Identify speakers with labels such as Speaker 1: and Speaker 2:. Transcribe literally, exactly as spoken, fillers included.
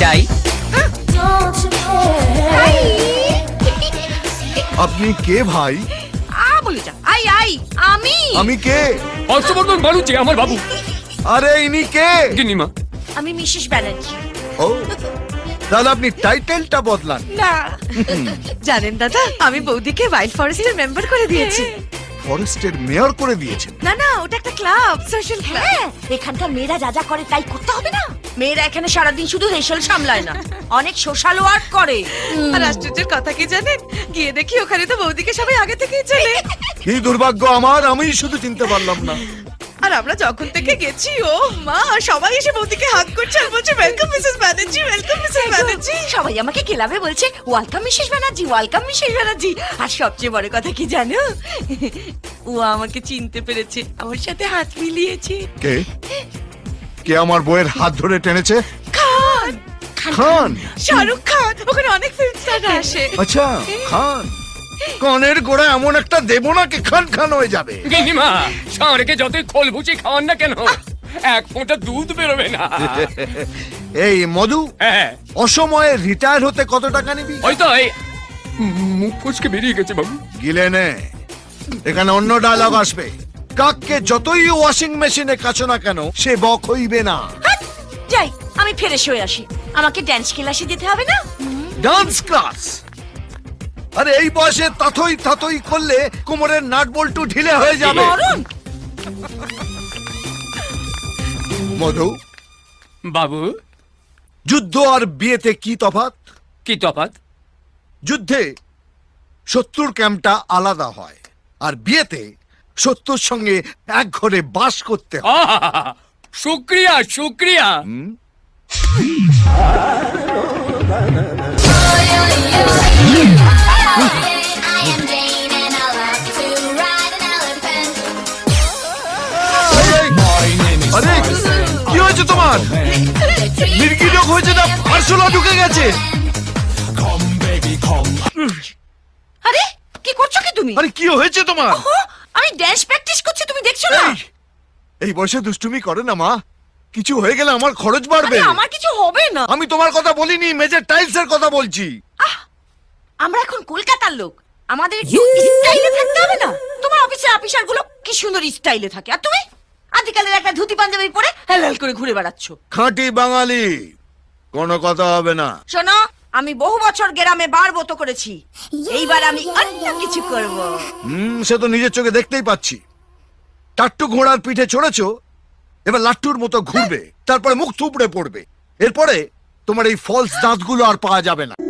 Speaker 1: চাই।
Speaker 2: আপনি কে ভাই?
Speaker 3: আ বলে যা। আই আই আমি
Speaker 2: আমি কে?
Speaker 1: হর্ষবর্ধন বাড়ুচি আমার বাবু।
Speaker 2: আরে ইনি কে?
Speaker 1: গিন্নিমা।
Speaker 3: আমি মিসেস ব্যানার্জি।
Speaker 2: ও তাহলে আপনি টাইটেলটা বদলান।
Speaker 3: না
Speaker 4: জানেন দাদা, আমি বৌদিকে ওয়াইল্ড ফরেস্টের মেম্বার করে দিয়েছি।
Speaker 2: ফরেস্টের মেয়র করে দিয়েছেন?
Speaker 4: না না, ওটা একটা ক্লাব, সোশ্যাল ক্লাব।
Speaker 3: হ্যাঁ, এখানকার মেয়েরা যা যা করে তাই করতে হবে না। মেয়েরা এখানে সারাদিন শুধু হেসেল সামলায় না, অনেক সোশ্যাল ওয়ার্ক করে।
Speaker 4: আর আশ্চর্যের কথা কি জানেন, গিয়ে দেখি ওখানে তো বৌদিকে সবাই আগে থেকেই চেনে।
Speaker 2: কি দুর্ভাগ্য আমার, আমি শুধু চিনতে পারলাম না।
Speaker 4: আর আমরা যখন থেকে গেছি, ও মা, সবাই এসে বৌদিকে হাত করছে আর বলছে welcome Mrs Banerjee, welcome Mrs Banerjee.
Speaker 3: সবাই আমাকে ক্লাবে বলছে welcome Mrs Banerjee, welcome Mrs Banerjee. আর সবচেয়ে বড় কথা কি জানো, ও আমাকে চিনতে পেরেছে, আমার সাথে হাত মিলিয়েছে।
Speaker 2: কে কে আমার বইয়ের হাত ধরে টেনেছে?
Speaker 4: খান,
Speaker 2: খান?
Speaker 4: শাহরুখ খান, ওখানে অনেক ফিল্ম স্টার আসে।
Speaker 2: আচ্ছা, খান। কানের গোড়া এমন একটা দেব না কি খান খান হয়ে যাবে।
Speaker 1: গিন্নিমা, ষাঁড়কে যতই খোল ভুচি খাওয়ান না কেন, এক ফোঁটা দুধ বেরোবে না।
Speaker 2: এই মধু,
Speaker 1: হ্যাঁ,
Speaker 2: অসময়ে রিটায়ার হতে কত টাকা নিবি?
Speaker 1: ওই তো এই মুখ কুচকে বেরিয়ে গেছে বাবু।
Speaker 2: গিলে নে, এখানে অন্য ডায়লগ আসবে। কাককে যতই ওয়াশিং মেশিনে কাছো না কেন, সে বক হইবে না।
Speaker 3: হাট, যাই আমি ফ্রেশ হয়ে আসি, আমাকে ড্যান্স ক্লাসে যেতে হবে না।
Speaker 2: Dance class? আরে এই বয়সে তাথই তাথই করলে কোমরের নাট বল্টু ঢিলে হয়ে যাবে।
Speaker 3: মরণ
Speaker 2: মধু,
Speaker 1: বাবু,
Speaker 2: যুদ্ধ আর বিয়েতে কি তফাৎ?
Speaker 1: কি তফাৎ?
Speaker 2: যুদ্ধে শত্রুর ক্যাম্পটা আলাদা হয়, আর বিয়েতে শত্রুর সঙ্গে এক ঘরে বাস করতে হয়।
Speaker 1: আহা, শুক্রিয়া শুক্রিয়া।
Speaker 2: আরে কি হয়েছে তোমার? নির্গিরক হয়েছে না আরশোলা ঢুকে গেছে?
Speaker 3: আরে কি করছো কি তুমি?
Speaker 2: আরে কি হয়েছে তোমার?
Speaker 3: ওহো, আমি ড্যান্স প্র্যাকটিস করছি, তুমি দেখছো না?
Speaker 2: এই, এই বয়সে দুষ্টুমি করে না মা, কিছু হয়ে গেলে আমার খরচ বাড়বে।
Speaker 3: আরে আমার কিছু হবে না।
Speaker 2: আমি তোমার কথা বলিনি, মেজের টাইলস এর কথা বলছি।
Speaker 3: আমরা এখন কলকাতার লোক, আমাদের একটু স্টাইলে থাকতে হবে না? তোমার অফিসের অফিসার গুলো কি সুন্দর স্টাইলে থাকে, আর তুমি আজকালের একটা ধুতি পাঞ্জাবি পরে হেলাল করে ঘুরে বেড়াচ্ছ।
Speaker 2: খাঁটি বাঙালি, কোনো কথা হবে না।
Speaker 3: শোনো, আমি বহু বছর গ্রামে বার মতো করেছি, এইবার আমি অন্য কিছু করব।
Speaker 2: হুম, সে তো নিজের চোখে দেখতেই পাচ্ছি। টাট্টু ঘোড়ার পিঠে চড়েছো, এবার লাট্টুর মতো ঘুরবে, তারপরে মুখ থুবড়ে পড়বে। এরপরে তোমার এই ফলস দাঁতগুলো আর পাওয়া যাবে না।